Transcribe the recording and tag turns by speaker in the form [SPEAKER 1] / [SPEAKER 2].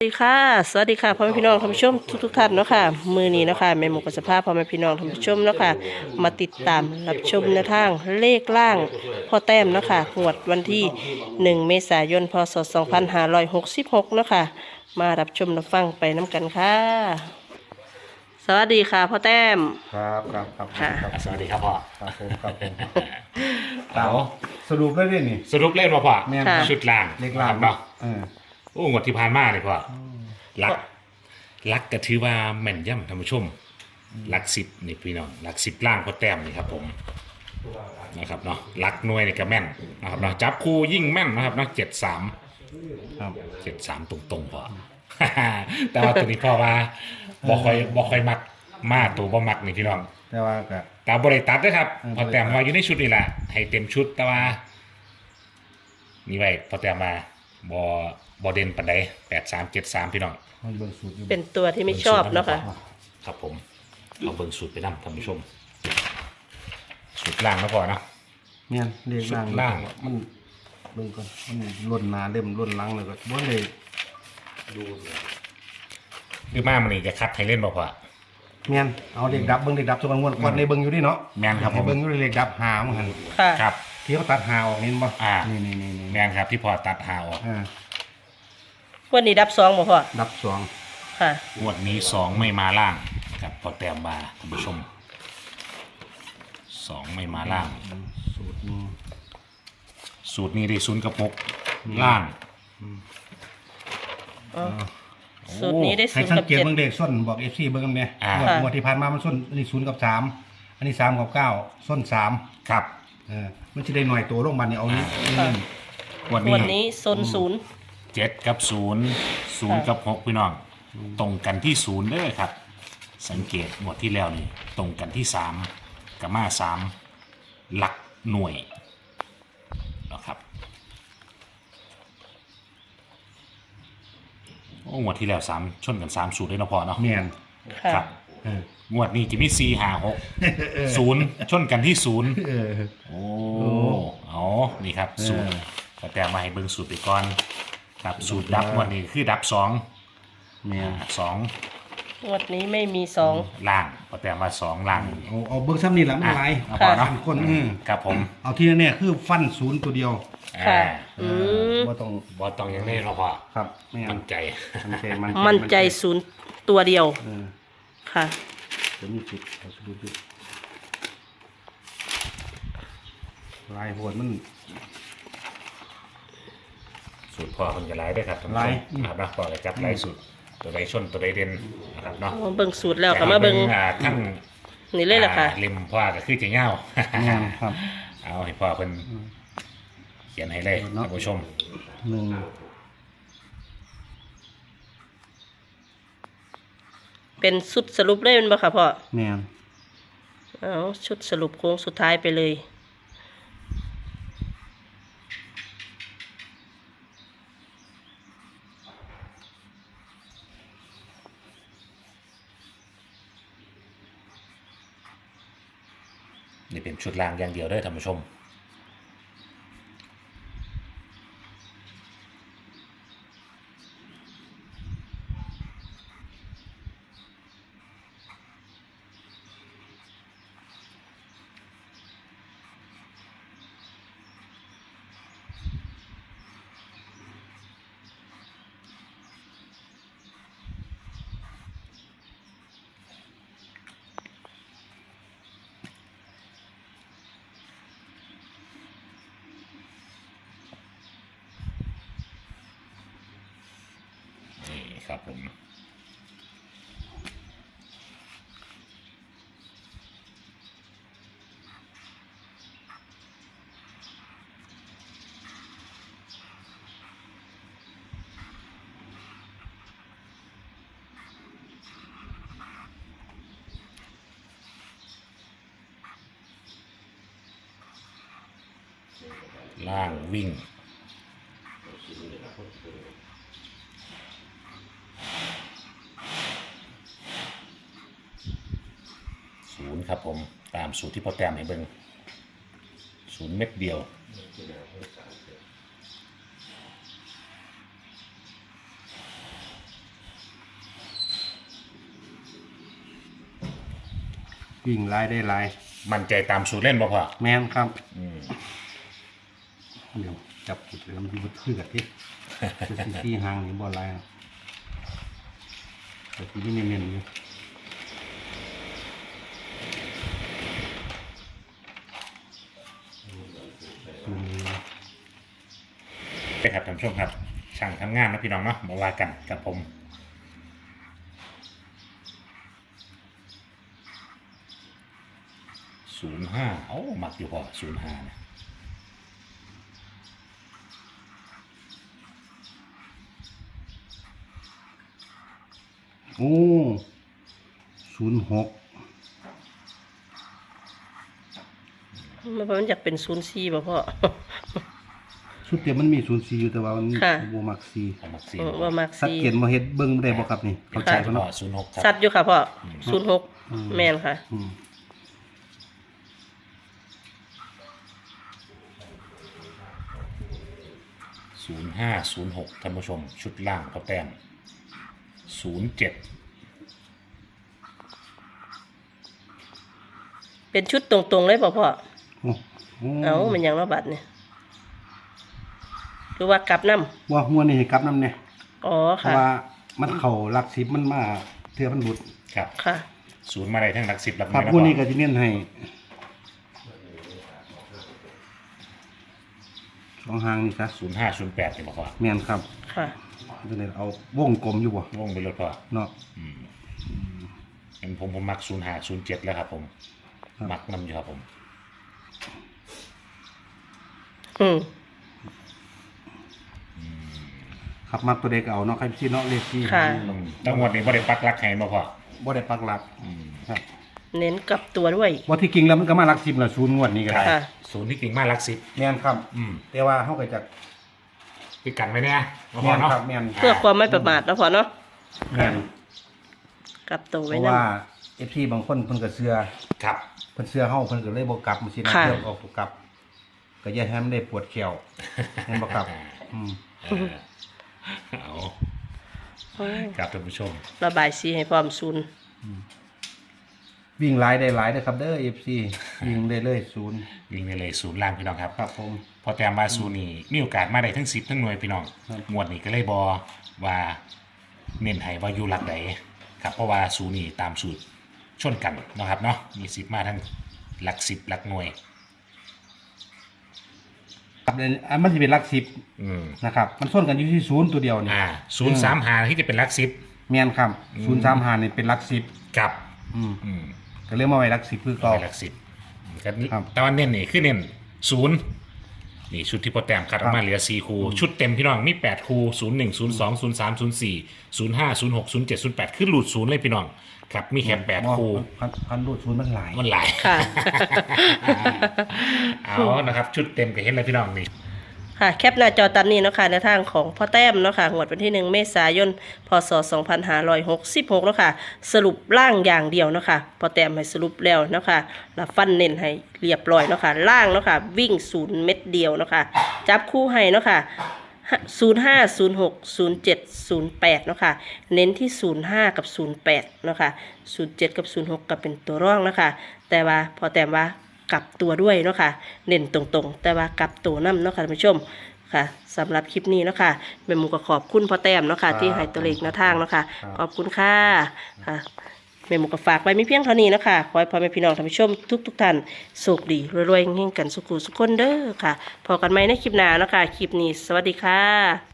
[SPEAKER 1] สวัสดีค่ะสวัสดีค่ะพ่อแม่พี่น้องท่านผู้ชมทุกท่านเนาะค่ะมือนี้เนาะค่ะแม่หมูกับสภาพพ่อแม่พี่น้องท่านผู้ชมเนาะค่ะมาติดตามรับชมในทางเลขล่างพ่อแต้มเนาะค่ะงวดวันที่1เมษายนพศ2566เนาะค่ะมารับชมรับฟังไปน้ำกันค่ะสวัสดีค่ะพ่อแต้ม
[SPEAKER 2] ครับ
[SPEAKER 1] ค่ะ
[SPEAKER 3] สวัสดีครับพ่อ
[SPEAKER 2] ครับผม
[SPEAKER 3] เอา
[SPEAKER 2] สรุปได้ด้วยนี่
[SPEAKER 3] สรุปเล่นมาพ่อ
[SPEAKER 2] แม่น
[SPEAKER 3] ชุดล่าง
[SPEAKER 2] เล็กลา
[SPEAKER 3] ครับเนาะ
[SPEAKER 2] เออ
[SPEAKER 3] โอ้งวดที่ผ่านมาเลยพ่อลักก็ถือว่าแม่นย่ำท่านผู้ชมลักสิบนี่พี่น้องลักสิบล่างพ่อแต้มนี่ครับผมนะครับเนาะลักหน่วยนี่ก็แม่นนะครับเนาะจับคู่ยิ่งแม่นนะครับเนาะ73
[SPEAKER 2] ครับ
[SPEAKER 3] 73ตรงๆพ่อ แต่ว่าตัวนี้พ่อว่าบ่ค่อยมักมาตัวบ่มักนี่พี่น้อง
[SPEAKER 2] แต่ว่าก็
[SPEAKER 3] ตามบริตัดด้วยครับ พอแต้ม
[SPEAKER 2] บ่ได้ตัด
[SPEAKER 3] มาอยู่ในชุดนี่แหละให้เต็มชุดแต่ว่านี่ไว้พอแต้มมาบอเด่นปันใด8373พี่น้อง
[SPEAKER 2] มันเบิ่งสูตรอยู่
[SPEAKER 1] เป็นตัวที่ไม่ชอบเนาะค่ะ
[SPEAKER 3] ครับผมเอาเบิ่งสูตรไปนำท่านผู้ชมสูตรล่างแล้วก่อนนะ
[SPEAKER 2] แม่นเรียกล่าง
[SPEAKER 3] สูตรล่าง
[SPEAKER 2] มันเบิ่งก่อนมันล้นหน้าเล่มล้นหลังเลยก็บ่ได้ดู
[SPEAKER 3] หรือมามันนี่จะคัดให้เล่นบ่พอ
[SPEAKER 2] แม่นเอาเด็กดับเบิ่งเด็กดับทุกวันก่อนในเบิ่งอยู่ดิเนาะ
[SPEAKER 3] แม่นครับผม
[SPEAKER 2] ให้เบิ่งอยู่เด็กดับหามันหั่น
[SPEAKER 1] ค่ะ
[SPEAKER 3] ครับ
[SPEAKER 2] ที่เขาตัดหาออกนี่บ่
[SPEAKER 3] อ่า
[SPEAKER 2] นี่
[SPEAKER 3] แม่นครับที่พอตัดหาออก
[SPEAKER 1] วันนี้ดับสองบ่พ่อ
[SPEAKER 2] ดับสอง
[SPEAKER 1] ค่ะ
[SPEAKER 3] งวดนี้2ไม่มาล่างกับพอแต้มมาท่านผู้ชม2ไม่มาล่าง
[SPEAKER 2] สูตรนี้
[SPEAKER 3] สูตรนี้ได้0กับ6ล่าง
[SPEAKER 1] สูตรนี้ได้
[SPEAKER 2] ให้
[SPEAKER 1] 0
[SPEAKER 2] สัง
[SPEAKER 1] กับ
[SPEAKER 2] เกต
[SPEAKER 1] 7
[SPEAKER 2] เบิ่งเด็กส้นบอก FC เบิ่งกันแม่
[SPEAKER 3] อ่า
[SPEAKER 2] งวดที่ผ่านมามันส้นอันนี้0กับ3อันนี้3กับ9ส้น3
[SPEAKER 3] ครับ
[SPEAKER 2] มันจะได้หน่อยตัวลงบันนี่เอานี้
[SPEAKER 1] ค่ะ
[SPEAKER 3] วัน
[SPEAKER 1] วัน
[SPEAKER 3] นี้
[SPEAKER 1] นี้โซนศูนย์
[SPEAKER 3] 7กับ0กับ6พี่น้อง ตรงกันที่0เด้อครับ สังเกตหมดที่แล้วนี่ตรงกันที่3กับมา3หลักหน่วยนะครับโอ้งวดที่แล้ว3ชนกัน3สูตรได้เนาะพอเนาะ
[SPEAKER 2] แม่น
[SPEAKER 1] ค่ะ
[SPEAKER 3] ครับ
[SPEAKER 2] เออง
[SPEAKER 3] วดนี้จะมี4 5 6 0ชนกันที่0
[SPEAKER 2] เออ
[SPEAKER 3] โอ้เอานี่ครับสูตรก็แต่มาให้เบิ่งสูตรไปก่อนครับสูตรดับวันนี้คือดับ2
[SPEAKER 2] แม่น
[SPEAKER 3] 2
[SPEAKER 1] งวดนี้ไม่มีสอง
[SPEAKER 3] ล่างก็แต่มา2ล่าง
[SPEAKER 2] เอาเบิ่งซ้ำนี่แหละมันหลาย
[SPEAKER 3] เอาพอเนาะ
[SPEAKER 2] คน
[SPEAKER 3] ครับผม
[SPEAKER 2] เอาที่แน่ๆคือฟันศูนย์ตัวเดียว
[SPEAKER 1] ค่ะ
[SPEAKER 3] อ่า
[SPEAKER 2] บ่ต้อง
[SPEAKER 3] บ่ต้องอยังนี้เนาะพ่อ
[SPEAKER 2] ครับแม่น
[SPEAKER 3] มั่นใจ
[SPEAKER 1] มั่นใจศูนย์ตัวเดียว
[SPEAKER 2] เออ
[SPEAKER 1] ค่ะ
[SPEAKER 2] จะมีจุดเอาสรุปดิลายโหดมัน
[SPEAKER 3] สูตรพ่อคนจะไล่ได้อครับท่านผู้
[SPEAKER 2] ไล่
[SPEAKER 3] ชมครับนะพ่อจะจับไล่สูตรตัวใดชนตัวใดเด่นนะครับเนาะ
[SPEAKER 1] เบิ่งสูตรแล้วก็มาเบิ่ง
[SPEAKER 3] ทั้ง
[SPEAKER 1] นี่เลยล่ะค่ะ
[SPEAKER 3] ริมพ่อก็คือจะเงา
[SPEAKER 2] แม่นครับ
[SPEAKER 3] เอาให้พ่อเพิ่นเขียนให้เลย
[SPEAKER 2] เนาะ
[SPEAKER 3] ท่านผู้ชม
[SPEAKER 2] หนึ่ง
[SPEAKER 1] เป็นชุดสรุปเลยแมันบ่ค่ะพ่อ
[SPEAKER 2] แม่น
[SPEAKER 1] เอาชุดสรุปโค้งสุดท้ายไปเลย
[SPEAKER 3] นี่เป็นชุดล่างอย่างเดียวเด้อท่านผู้ชมนี่ครับผมล่างวิ่ง 0ครับผมตามสูตรที่พ่อแต้มให้เบิ่ง0เม็ดเดียว
[SPEAKER 2] วิ่งหลายได้หลาย
[SPEAKER 3] มั่นใจตามสูตรเล่นบ่พ่อ
[SPEAKER 2] แม่นครับ
[SPEAKER 3] อืม
[SPEAKER 2] เดี๋ยวจับจุดแล้วมันอยู่คือกับที่คือที่หางนี่บ่หลายครับแต่ที่นี่เน้นๆอยู่อืม
[SPEAKER 3] ไปครับท่านผู้ชมครับ ช่างทำงานนะพี่น้องเนาะมาว่ากันกับผม05โอ้มักอยู่พอ05นะ
[SPEAKER 2] โอ้06
[SPEAKER 1] มันอยากเป็น04บ่พ่อ
[SPEAKER 2] ชุดเดียวมันมี04อยู่แต่ว่ามัน
[SPEAKER 1] ค่ะ
[SPEAKER 2] บ่มัก4
[SPEAKER 3] เอามักซี
[SPEAKER 1] ว่ามัก
[SPEAKER 2] สักเกียนบ่เฮ็ดเบิ่งได้บ่ครับนี่
[SPEAKER 3] เข้า
[SPEAKER 2] เข้า
[SPEAKER 3] ใจ
[SPEAKER 2] ใจ
[SPEAKER 3] พ่
[SPEAKER 2] บ่
[SPEAKER 3] อ
[SPEAKER 2] เนาะ
[SPEAKER 3] 06ครับ
[SPEAKER 1] สัตว์อยู่ค่ะพ่อ06แม่นค่ะ
[SPEAKER 2] อืม
[SPEAKER 3] 0506ท่านผู้ชมชุดล่างเขาแต้ม07
[SPEAKER 1] เป็นชุดตรงๆเลยบ่พ่อ
[SPEAKER 2] โอ้โอ้
[SPEAKER 1] เอ้ามันยังระบาดเนี่ยหรือว่ากลับน้
[SPEAKER 2] ว่าหัวนี่ให้กลับนำเนี่ย
[SPEAKER 1] ำอ๋อ
[SPEAKER 2] เพ
[SPEAKER 1] ค่ะ
[SPEAKER 2] ราะว่ามันเข้าหลัก10มันมาเทื่อมันหลุด
[SPEAKER 3] ครับ
[SPEAKER 1] ค่ะ
[SPEAKER 3] ศูนย์มาได้ทั้งหลัก10หลักห
[SPEAKER 2] ครั
[SPEAKER 3] น่
[SPEAKER 2] บ
[SPEAKER 3] วยนะ
[SPEAKER 2] หัว
[SPEAKER 3] พ่อ
[SPEAKER 2] นี้ก็สิเน้นให้สองหางนี่ซะ
[SPEAKER 3] 0508นี่บ่พ่อ
[SPEAKER 2] แม่นครับ
[SPEAKER 1] ค่ะ
[SPEAKER 2] จังได๋เอาวงกลมอยู่บ่
[SPEAKER 3] วงไปเลยพ่อ
[SPEAKER 2] เนาะ
[SPEAKER 3] เป็นผมมัก0507แล้วครับผม
[SPEAKER 2] ครับ
[SPEAKER 3] มักนำอยู่ครับผม
[SPEAKER 1] อืม
[SPEAKER 2] ครับมาตัวเด็กเอาเนาะใครสิเนาะเลขที่
[SPEAKER 1] ค่ะ
[SPEAKER 3] ตั้งงวดนี้บ่ได้ปักหลักให้บ่พ่อ
[SPEAKER 2] บ่ได้ปักหลักครับ
[SPEAKER 1] เน้นกลับตัวด้วย
[SPEAKER 2] ว่าที่จริงแล้วมันก็มาหลัก10แล้วศูนย์งวดนี้ก็ได้
[SPEAKER 1] ค่ะ
[SPEAKER 3] ศูนย์ที่จริงมาหลัก10
[SPEAKER 2] แม่นครับ แต่ว่าเฮาก็จะ
[SPEAKER 3] พี่กันไว้เนี่ยบ่พ่
[SPEAKER 2] แม่
[SPEAKER 3] อน เนาะ
[SPEAKER 2] ครับแม่น
[SPEAKER 1] เพื่อความไม่ประมาทนะพ่อเนาะ
[SPEAKER 2] แม่น
[SPEAKER 1] กลับตัว
[SPEAKER 2] เพ
[SPEAKER 1] ไว้
[SPEAKER 2] ราะ
[SPEAKER 1] นั่น
[SPEAKER 2] ว่า FC บางคนเพิ่นก็เชื่อ
[SPEAKER 3] ครับ
[SPEAKER 2] เพิ่นเชื่อเฮาเพิ่นก็เลยบ่กลับมันสินะ
[SPEAKER 1] ค่ะ
[SPEAKER 2] เดี๋ยวออกบ่กลับ ก็อย่าให้มันได้ปวดแขวเห็นบ่ครับอืม
[SPEAKER 3] เอา
[SPEAKER 1] โอ้ย
[SPEAKER 3] ครับท่านผู้ชม
[SPEAKER 1] ระบายสีให้พร้อมศูนย์
[SPEAKER 2] วิ่งหลายได้หลายเด้อครับเด้อ FC วิ่งได้เลยศูนย์
[SPEAKER 3] วิ่งไปเลยศูนย์ล่างพี่น้องครับ
[SPEAKER 2] ครับผม
[SPEAKER 3] พอแต้มมาศูนย์นี่มีโอกาสมาได้ทั้ง10ทั้งหน่วยพี่น้อง
[SPEAKER 2] ครับ
[SPEAKER 3] งวดนี้ก็เลยบอว่าเน้นให้ว่าอยู่หลักใดครับเพราะว่าศูนย์นี่ตามสูตรชนกันเนาะครับเนาะมี10มาทั้งหลัก10หลักหน่วย
[SPEAKER 2] ครับอันมันสิเป็นหลัก
[SPEAKER 3] อืม
[SPEAKER 2] 10นะครับมันส้นกันอยู่ที่ศูนย์ตัวเดียวนี่
[SPEAKER 3] 035ที่จะเป็นหลัก10
[SPEAKER 2] แม่นครับ035นี่เป็นหลัก10
[SPEAKER 3] กับ
[SPEAKER 2] อืม
[SPEAKER 3] อืม
[SPEAKER 2] ก็เลยมาไว้หลัก10คือเก่า
[SPEAKER 3] หลัก10ก็
[SPEAKER 2] ครับ
[SPEAKER 3] แต่ว่าเน้นนี่คือเน้น0นี่ชุดที่พอแต้มคัดออกมาเหลือ4คู่ชุดเต็มพี่น้องมี8คู่01 02 03 04 05 06 07 08คือหลุด0เลยพี่น้องครับมีแค่8คู่
[SPEAKER 2] พันรูดศูนย์มันหลาย
[SPEAKER 3] มันหลาย
[SPEAKER 1] ค่ะ
[SPEAKER 3] เอานะครับ ชุดเต็มก็เห็นเลยพี่น้องนี่
[SPEAKER 1] ค่ะแคปหน้าจอตามนี้เนาะค่ะในทางของพ่อแต้มเนาะค่ะงวดวันที่1 เมษายน พศ 2566เนาะค่ะสรุปล่างอย่างเดียวเนาะค่ะพ่อแต้มให้สรุปแล้วเนาะค่ะแล้วฟันเน้นให้เรียบร้อยเนาะค่ะล่างเนาะค่ะวิ่ง0 เม็ดเดียวเนาะค่ะจับคู่ให้เนาะค่ะ05 06 07 08เนาะค่ะเน้นที่05กับ08เนาะค่ะ07กับ06ก็เป็นตัวร่องเนาะค่ะแต่ว่าพอแต้มว่ากลับตัวด้วยเนาะค่ะเน้นตรงๆแต่ว่ากลับตัวนํเนาะค่ะท่านผู้ชมค่ะสำหรับคลิปนี้เนาะค่ะแม่หมูก็ขอบคุณพ่อแต้มเนาะค่ะที่ให้ตัวเลขแนวทางเนาะค่ะขอบคุณค่ะค่ะแม่หมูก็ฝากไว้มีเพียงเท่านี้เนาะค่ะขอให้พ่อแม่พี่น้องท่านผู้ชมทุกท่านโชคดีรวยๆเฮงๆกันสุขุสุขคนเด้อค่ะพอกันไหมในคลิปหน้าเนาะค่ะคลิปนี้สวัสดีค่ะ